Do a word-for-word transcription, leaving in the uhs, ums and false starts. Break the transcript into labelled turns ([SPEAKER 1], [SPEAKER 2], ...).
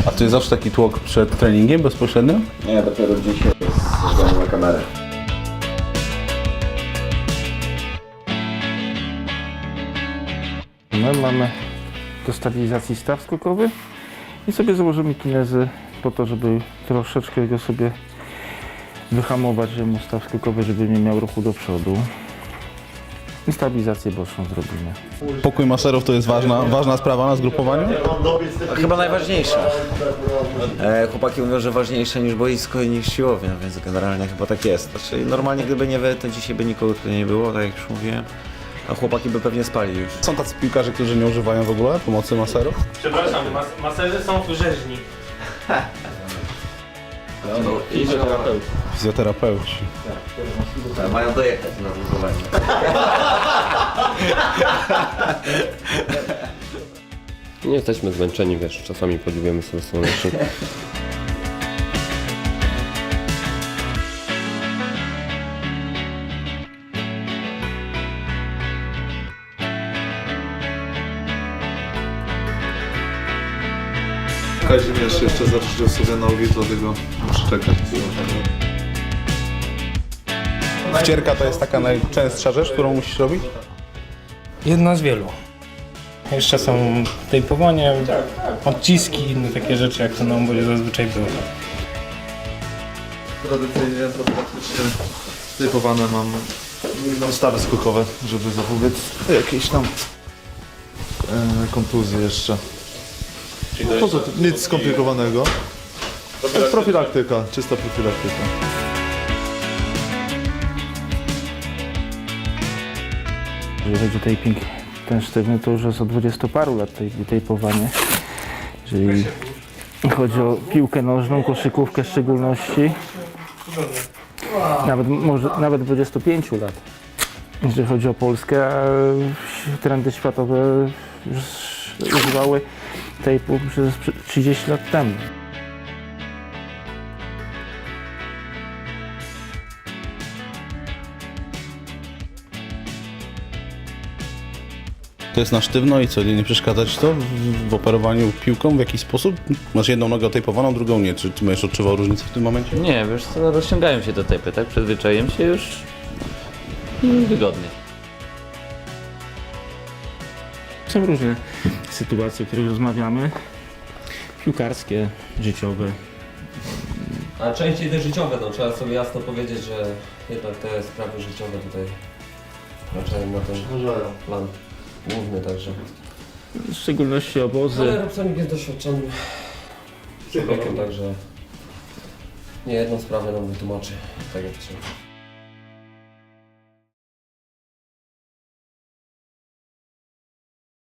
[SPEAKER 1] A to jest zawsze taki tłok przed treningiem bezpośrednio?
[SPEAKER 2] Nie, dopiero dzisiaj jest ze względu na kamerę.
[SPEAKER 3] My mamy do stabilizacji staw skokowy i sobie założymy kinezy po to, żeby troszeczkę go sobie wyhamować, żeby mu staw skokowy, żeby nie miał ruchu do przodu. I stabilizację boczną zrobimy.
[SPEAKER 1] Pokój maserów to jest ważna, ważna sprawa na zgrupowaniu?
[SPEAKER 2] Chyba najważniejsza. E, chłopaki mówią, że ważniejsze niż boisko i niż siłownia, więc generalnie chyba tak jest. Znaczy, normalnie gdyby nie wy, to dzisiaj by nikogo tutaj nie było, tak jak już mówiłem. A chłopaki by pewnie spali już.
[SPEAKER 1] Są tacy piłkarze, którzy nie używają w ogóle pomocy maserów?
[SPEAKER 4] Przepraszam, mas maserzy są rzeźni.
[SPEAKER 2] No, fizjoterapeuci.
[SPEAKER 1] Fizjoterapeuci.
[SPEAKER 2] Mają dojechać na budowanie.
[SPEAKER 5] Nie jesteśmy zmęczeni, wiesz, czasami podziwiamy sobie słoneczny.
[SPEAKER 6] Kazimierz jeszcze zaczęło sobie nogi, dlatego muszę czekać.
[SPEAKER 1] Wcierka to jest taka najczęstsza rzecz, którą musisz robić?
[SPEAKER 4] Jedna z wielu. Jeszcze są tejpowanie, odciski i inne takie rzeczy, jak to na obozie zazwyczaj było.
[SPEAKER 6] Tradycyjnie to praktycznie typowane mam stawy skokowe, żeby zapobiec jakieś tam e, kontuzje jeszcze. No to nic skomplikowanego. To jest profilaktyka, czysta profilaktyka.
[SPEAKER 3] Jeżeli chodzi o taping ten sztywny, to już jest od dwudziestu paru lat tej tejpowanie. Jeżeli chodzi o piłkę nożną, koszykówkę w szczególności, nawet, może, nawet dwudziestu pięciu lat. Jeżeli chodzi o Polskę, a trendy światowe już używały tejpu przez trzydzieści lat temu.
[SPEAKER 1] To jest na sztywno i co, nie, nie przeszkadza ci to w, w operowaniu piłką w jakiś sposób? Masz jedną nogę otejpowaną, drugą nie. Czy ty będziesz odczuwał różnicę w tym momencie?
[SPEAKER 7] Nie, wiesz co, rozciągają się te tejpy, tak? Przyzwyczaiłem się już i wygodnie.
[SPEAKER 3] Są różne sytuacje, o których rozmawiamy. Piłkarskie, życiowe.
[SPEAKER 5] A częściej te życiowe, no trzeba sobie jasno powiedzieć, że jednak te sprawy życiowe tutaj wkraczają na ten plan główny, także.
[SPEAKER 3] W szczególności obozy.
[SPEAKER 5] Ale Robsonik jest doświadczonym człowiekiem, także nie jedną sprawę nam wytłumaczy, tak jak trzeba.